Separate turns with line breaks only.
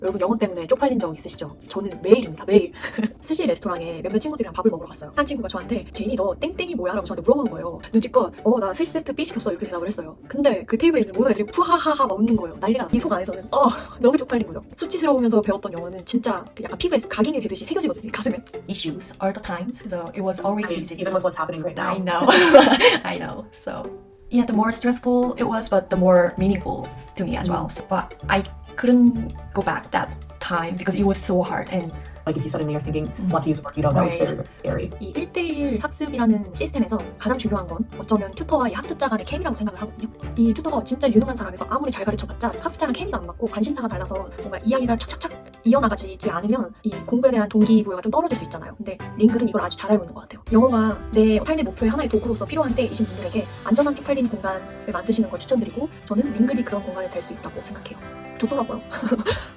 여러분 영어 때문에 쪽팔린 적 있으시죠? 저는 매일입니다. 매일. 스시 레스토랑에 몇몇 친구들이랑 밥을 먹으러 갔어요. 한 친구가 저한테 제인이 너 땡땡이 뭐야? 라고 저한테 물어보는 거예요. 눈치껏 나 스시 세트 B 시켰어 이렇게 대답을 했어요. 근데 그 테이블에 있는 모든 애들이 푸하하하 막 웃는 거예요. 난리가 났어요. 이 속 안에서는 너무 쪽팔린 거죠. 수치스러우면서 배웠던 영어는 진짜 약간 피부에 각인이 되듯이 새겨지거든요. 이 가슴에.
issues all the times, so it was always busy.
Even with what's happening right now.
I know. I know. So yeah, the more stressful it was, but the more meaningful to me as well. So, but I couldn't go back that time because it was so hard. And
Like if you suddenly are thinking, want to use a word you don't know, it's very, very scary.
이 1대1 학습이라는 시스템에서 가장 중요한 건 어쩌면 튜터와 이 학습자 간의 케미라고 생각을 하거든요. 이 튜터가 진짜 유능한 사람이고 아무리 잘 가르쳐봤자 학습자랑 케미가 안 맞고 관심사가 달라서 뭔가 이야기가 착착착 이어나가지 않으면 이 공부에 대한 동기부여가 좀 떨어질 수 있잖아요. 근데 링글은 이걸 아주 잘 알고 있는 것 같아요. 영어가 내 삶의 목표의 하나의 도구로서 필요한 때이신 분들에게 안전한 쪽팔린 공간을 만드시는 걸 추천드리고 저는 링글이 그런 공간이 될 수 있다고 생각해요. 좋더라고요.